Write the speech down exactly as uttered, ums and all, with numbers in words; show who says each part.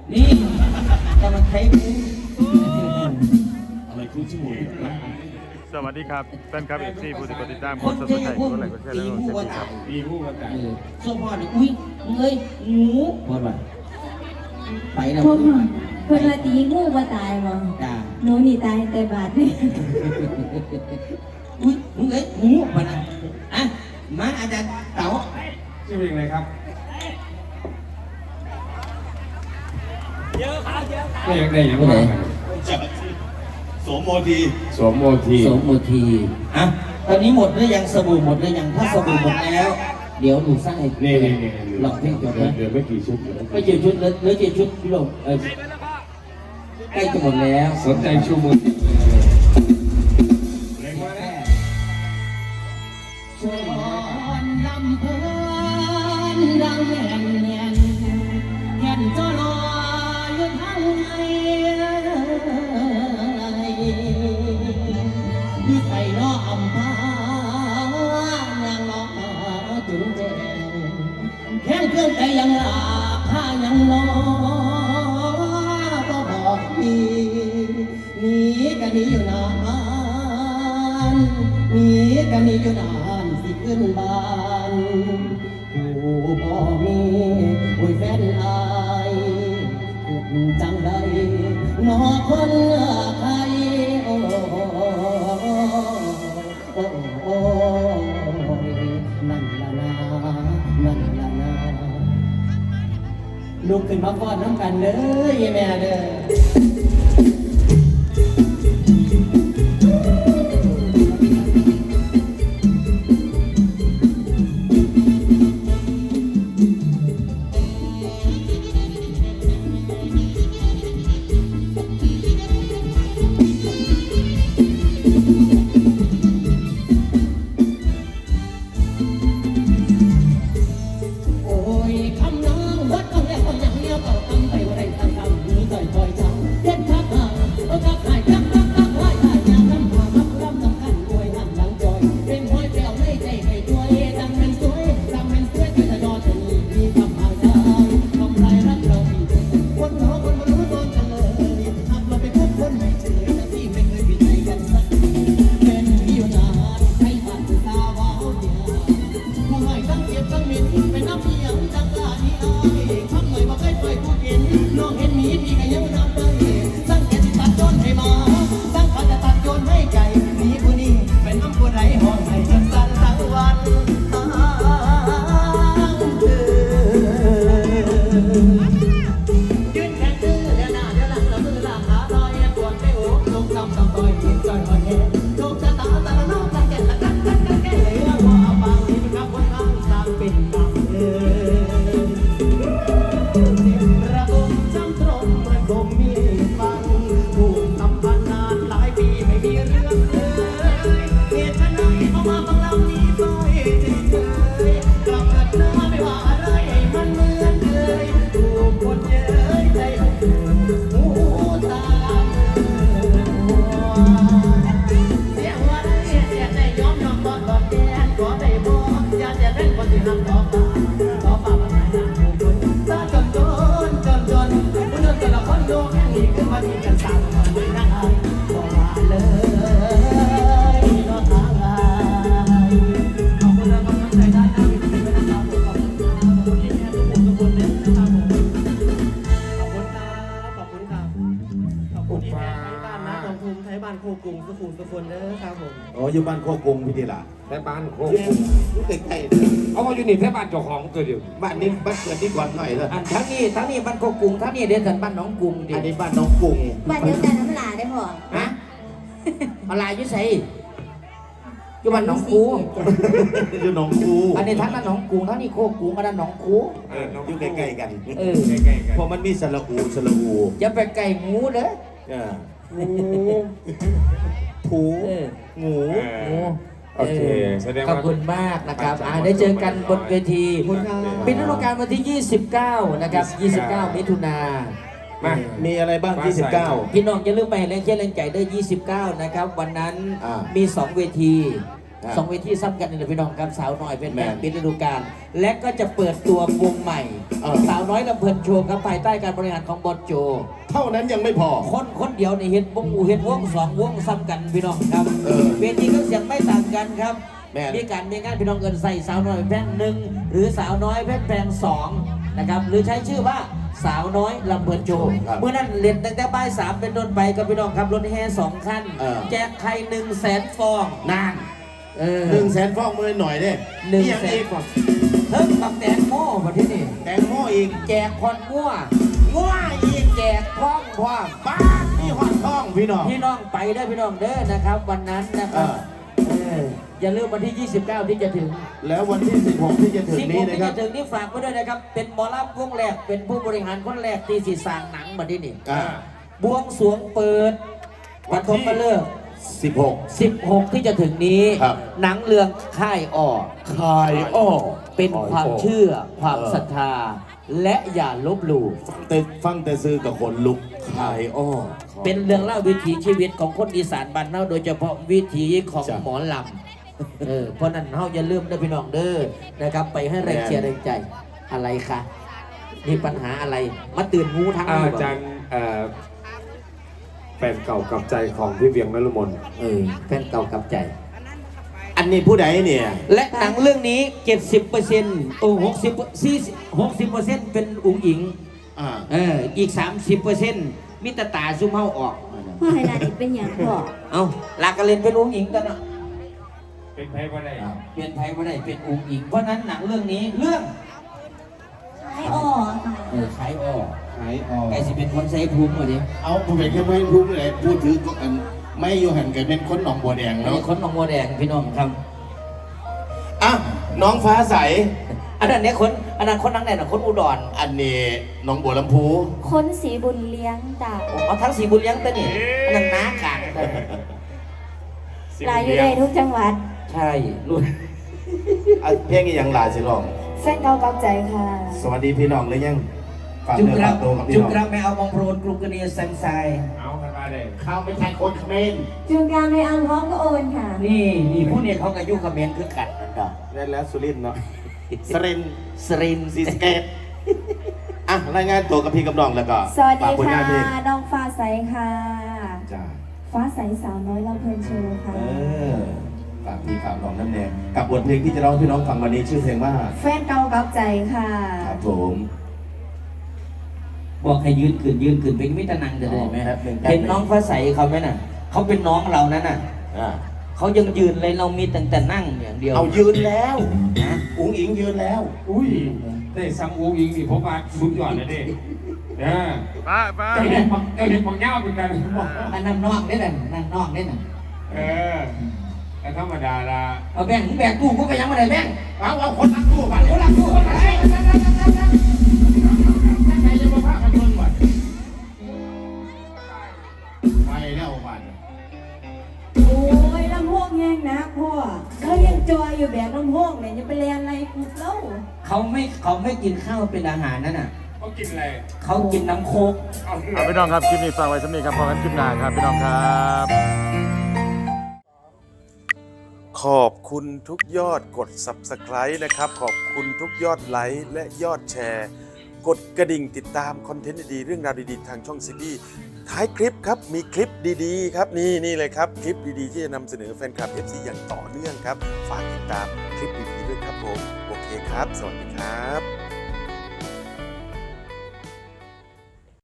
Speaker 1: นี่จะมาใช้กู
Speaker 2: อะไรคุณชื่ออะไร
Speaker 3: สวัสดีครับแฟนคลับเอฟซีผู้ติดตามคนสนใจคนไหนก็แชร์แล้วก็เซ็นครับ
Speaker 2: มีผู้ประกาศ
Speaker 1: ส่วนพ่อเนี่ยอุ้ยมึงเอ้ยงูพ่อว่าไปแล้ว
Speaker 4: พ่อเพื่อนว่าตีงูว่าตายบ่
Speaker 1: จ้า
Speaker 4: หนูนี่ตายแต่บาดนี่
Speaker 1: อุ้ยมึงเอ้ยงูมานะอ่ะมาอาจารย์เต๋า
Speaker 2: ชื่อเพลงอะไรครับเยอะครับเยอะครับได้ยังได้ยังไงสวมโมทีสวมโมที
Speaker 1: สมมทีอ่ะตอนนี้หมดหรือยังสบู่หมดหรือยังถ้าสบู่หมดแล้ว เดี๋ยวหนูสร้างให้
Speaker 2: นี่นี่นี่
Speaker 1: ลองเพลงจบนะ
Speaker 2: เดี๋ยวไม่กี่ชุด
Speaker 1: ไม่เจ็ดชุดเหลือเจ็ดชุดพี่ลงเออใกล้จะหมดแล้ว
Speaker 2: สนใจชูมือเพลงว่าแน่
Speaker 1: ชวนลำเพลินดังแห่งแห่งแห่งจอลอยทางไงอยู่ใส่ล้ออำพานางล้อจุงแจงแค่เครื่องใจยังลาผ้ายังล้อก็บอกดีหนีกันนี้อยู่นานหนีกันนี้อยู่นานสิขึ้นบ้านผู้บ่มีอุ้ยแฟนอายคุณจังใดนอคนใครโอ้โอ้โอ้นั่นละนานั่นละนาลุกขึ้นมาฟ้อนน้ำกันเด้อแม่เด้อ
Speaker 5: อ๋ออยู่บ้านโคกรุงพี่ดีล่ะ
Speaker 2: แม่บ้านโคก
Speaker 5: อยู่ใกล้ๆ
Speaker 2: เอามาอยู่นี่แม่บ้านเจ้าของตัวเดียว
Speaker 5: บ้านนี้บ้านเกิดที่ก่อนหน่อยเลย
Speaker 1: อันทั้งนี้ทั้งนี้บ้านโคกรุงทั้งนี้เดินสันบ้านหนองกรุงดิ
Speaker 5: อันนี้บ้านน้องกรุง
Speaker 4: บ้านเดียวกันน้ำลาได้พ่อ
Speaker 1: ฮะอะไรยุ่ใส่อยู่บ้านหนองกู
Speaker 5: อยู่หนองกู
Speaker 1: อันนี้ทั้งนั้นหนองกรุงทั้งนี้โคกรุงอันนั้นหนองกู
Speaker 2: เออน้อง
Speaker 5: อยู่ใกล้ๆกัน
Speaker 1: เออ
Speaker 2: ใกล้ๆกัน
Speaker 5: เพราะมันมีสระอูสระอู
Speaker 1: อย่าไปไก่งูเด้อ
Speaker 5: เออ
Speaker 1: ผู
Speaker 5: ผู
Speaker 1: เออ
Speaker 5: งู
Speaker 1: งู
Speaker 2: โอเคแสดง
Speaker 1: ขอบ
Speaker 2: ว่า
Speaker 1: คุณมากนะครับอ่าได้เจอกันบนเวทีเป็นฤดูกาลวันที่ ยี่สิบเก้า นะครับ ยี่สิบเก้า มิถุนา
Speaker 2: มา
Speaker 5: มีอะไรบ้างที่สิบเก้า
Speaker 1: พี่น้องอย่าลืมไปแรงเชียร์แรงใจด้วยยี่สิบเก้า นะครับ วันนั้น
Speaker 5: อ่า
Speaker 1: มีสองเวที
Speaker 5: อ่า
Speaker 6: สองเวทีซ้ำกันนี่แหละพี่น้องครับสาวน้อยเป็น
Speaker 5: แม่
Speaker 6: แม่ปิดฤดูกาลและก็จะเปิดตัววงใหม่
Speaker 5: เออ
Speaker 6: สาวน้อยลำเพลินโชว์ครับภายใต้การบริหารของบอสโจ
Speaker 5: เท่านั้นยังไม่พอ
Speaker 6: คนคนเดียวในเห็นวงอูเห็นวงสองวงซ้ำกันพี่น้องครับ
Speaker 5: เออ
Speaker 6: เวทีก็เสียงไม่ต่างกันครับ
Speaker 5: แม่น
Speaker 6: มีการมีงานพี่น้องเอินใส่สาวน้อยแพร่งหนึ่งหรือสาวน้อยแพร่งแพร่งสองนะครับหรือใช้ชื่อว่าสาวน้อยลำเพลินโชว์
Speaker 5: ครับ
Speaker 6: เมื่อนั้นเรียนตั้งแต่บ่ายสามเป็นต้นไปกับพี่น้องครับรถแห่สองคัน
Speaker 5: เออ
Speaker 6: แจกไข่หนึ่งแสนฟอง
Speaker 5: นาน
Speaker 6: เออ
Speaker 5: หนึ่งแสนฟองมือหน่อยเด้
Speaker 6: หนึ่ง
Speaker 5: เอีย
Speaker 6: แสน
Speaker 5: อีกก่อน
Speaker 6: เพิ่มกับแตงโมมาที่นี่
Speaker 5: แตงโมอีก
Speaker 6: แจกคอนงัว
Speaker 5: ง้วอีก
Speaker 6: แจกท้องพร้อม
Speaker 5: บ้านี่หอดท้องพี่น้อง
Speaker 6: พี่น้องไปได้อพี่น้องเด้อนะครับ วันนั้นนะครับ
Speaker 5: เออ
Speaker 6: เอออย่าลืมวันที่ ยี่สิบเก้า ที่จะถึง
Speaker 5: แล้ววันที่สิบหกที่จะถึง
Speaker 6: สิบห
Speaker 5: นี้
Speaker 6: ก
Speaker 5: นะ
Speaker 6: ที่
Speaker 5: ครั
Speaker 6: จะ
Speaker 5: บ
Speaker 6: ถึงนี่ฝากไว้ด้วยนะครับ เป็นหมอลำวงแรกเป็นผู้บริหารคนแรกที่สีสร้างหนังมาที่นี่
Speaker 5: อ่า
Speaker 6: บวงสรวงเปิดวันทมมาเลิก
Speaker 5: สิบหก
Speaker 6: สิบหก ที่จะถึงนี้
Speaker 5: ครับ
Speaker 6: หนังเรื่องค่ายอ้อ
Speaker 5: คายอ้อ
Speaker 6: เป็นความเชื่อความศรัทธา และอย่าลบหลู่
Speaker 5: แต่ฟังแต่ซื้อกับคนลุกคายอ้อ
Speaker 6: เป็นเรื่องเล่าวิถีชีวิตของคนอีสานบ้านเฮาโดยเฉพาะวิถีของ
Speaker 5: จ้ะ
Speaker 6: หมอลำเออเพราะนั้นเฮาอย่าลืมนะพี่น้องเด้อนะครับ ไปให้แรง
Speaker 5: แม่น
Speaker 6: เชียร์แรงใจอะไรคะมีปัญหาอะไรมาตื่นงูทั้ง
Speaker 7: อา
Speaker 6: นี้บ่
Speaker 7: จารย์เอ่อแฟนเก่ากับใจของพี่เวียงนฤมล
Speaker 6: เออแฟนเก่ากับใจ
Speaker 5: อันนี้ผู้ใดเนี่ย
Speaker 6: และหนังเรื่องนี้ เจ็ดสิบเปอร์เซ็นต์ โอ้หกสิบ สี่สิบ หกสิบเปอร์เซ็นต์เป็นอุ๋งอิง
Speaker 5: อ่า
Speaker 6: เอออีก สามสิบเปอร์เซ็นต์ มิตรตาซุ่มเฮาออก
Speaker 4: พ่อให้ลาดิเป็นอย่างพ่อ
Speaker 6: เอาลากกันเล่นเป็นอุ๋งอิงกันเนาะ
Speaker 7: เป็นไพ่ว่าได้
Speaker 6: เปลี่ยนไทยไม่ได้เป็นอุ๋งอิงเพราะนั้นหนังเรื่องนี้เรื่อง
Speaker 4: ให้อ้อค่ะ
Speaker 6: เออขายอ้อ
Speaker 5: คายอ้อ
Speaker 6: ไก่สิเป็นคนใส่ภูมิมาดิ
Speaker 5: เอาผมเป็นแค่ไม่รู้เลยพูดถือก็อันไม่อยู่หันกันเป็นคนหนองบัวแดง
Speaker 6: ไอ้
Speaker 5: เนาะ
Speaker 6: คนหนองบัวแดงพี่น้องครับ
Speaker 5: อ่ะน้องฟ้าใส
Speaker 6: อันนั้นเนี่ยคนอันนั้นคนนังไหนน่ะคนอุดร
Speaker 5: อันนี้หน้องบัวลำพู
Speaker 4: คนสีบุญเลี้ยงจ้ะ
Speaker 6: เอาทั้งสีบุญเลี้ยงตัวนี่อันนั้นน้ากลาง
Speaker 4: ลายอยู่ได้ทุกจังหวัด
Speaker 6: ใช่รุ่น
Speaker 5: อ่ะเพลงนี้ยังหลายสิลอง
Speaker 4: แฟนเก่ากับใจค่ะ
Speaker 5: สวัสดีพี่น้องเลยยังฝาก
Speaker 6: จุก
Speaker 5: เนื้อ
Speaker 6: รั
Speaker 5: ฝาก กตัวกับพี่
Speaker 6: จุก
Speaker 5: น้อง
Speaker 6: รักไม่เอามองโปรนกรุงกระเนียแซมไซ
Speaker 7: เอากันมาเลย
Speaker 5: เขาไม่ใช่คนเขมร
Speaker 4: จูงการไม่อังพ้องก็โอนค่ะ
Speaker 6: นี่นี่ผู้เนี่ยเขากับยุคเขมรคือกันนั่นดอก
Speaker 5: และแล้วสุรินทร์เนาะสรินทร์
Speaker 6: สรินทร์
Speaker 5: ซีสะเกตอ่ะรายงานตัวกับพี่กับน้องแล้วก็
Speaker 4: สวัสดี
Speaker 5: ฝากผล
Speaker 4: ค่ะ
Speaker 5: งานเพลง
Speaker 4: น้องฟ้าใสค่ะ
Speaker 5: จ้า
Speaker 4: ฟ้าใสสาวน้อยลำเพลินโชว์ค่ะ
Speaker 5: เออฝากพี่ฝากน้องน้ำแดงกับบทเพลงที่จะร้องให้พี่น้องฟังวันนี้ชื่อเพลงว่า
Speaker 4: แฟนเก่ากับใจค่ะ
Speaker 5: ครับผม
Speaker 6: บอกให้ยืนขึ้นยืนขึ้นเป็นมิตรนังจะได้ไหม
Speaker 5: แป๊บหนึ่ง
Speaker 6: เห็นน้องฟ้าใสเขาไหมน่ะเขาเป็นน้องเรานั่นน่ะ
Speaker 5: อ่า
Speaker 6: เขายังยืนเลยเรามีแต่แต่นั่งอย่างเดียว
Speaker 5: เอายืนแล้ว
Speaker 6: นะ
Speaker 5: อุ๋งอิงยืนแล้ว
Speaker 7: อุ้ยได้ซัมอูอิงนี่ผมว่าสุดยอดเลยดิเออ
Speaker 3: ป้าป้า
Speaker 7: เจ้าเห็นบังเจ้าเห็นบังเง่าเป็นกัน
Speaker 6: อันนั้นนอกได้น่ะนั่นนอกได้น่ะ
Speaker 7: เออแต่ธรรมดาละ
Speaker 6: เอาแบ่งแบ่งตู้กูไปยังมาไหนแบ่ง
Speaker 5: เอาเอาคนรักตู้บัตรคนรักตู้บัตรไป
Speaker 7: ใครจะมาพากันเบิ่งวะ
Speaker 5: ไปแล้วบัตร
Speaker 4: โอ้ยลำโพงแห้งนะพ่อเขายังจอยอยู่แบบลำโพงเนี่ยจะไปเรียนอะไรกูเล่า
Speaker 6: เขาไม่เขาไม่กินข้าวเป็นอาหารนั่นน่ะ
Speaker 7: เขากินอะไร
Speaker 6: เขากินน้ำโคก
Speaker 7: เอา
Speaker 3: เอาพี่น้องครับคลิปนี้ฝากไว้สำหรับนี้ครับพอกันคลิปหน้าครับพี่น้องครับ
Speaker 8: ขอบคุณทุกยอดกด ซับสไครบ์ นะครับ ขอบคุณทุกยอดไลค์และยอดแชร์ กดกระดิ่งติดตามคอนเทนต์ดีๆเรื่องราวดีๆ ทางช่องซีบีท้ายคลิปครับ มีคลิปดีๆ ครับ นี่นี่เลยครับ คลิปดีๆ ที่จะนำเสนอแฟนคลับ เอฟ ซี อย่างต่อเนื่องครับ ฝากติดตามคลิปดีๆด้วยครับผม โอเคครับ สวัสดีครับ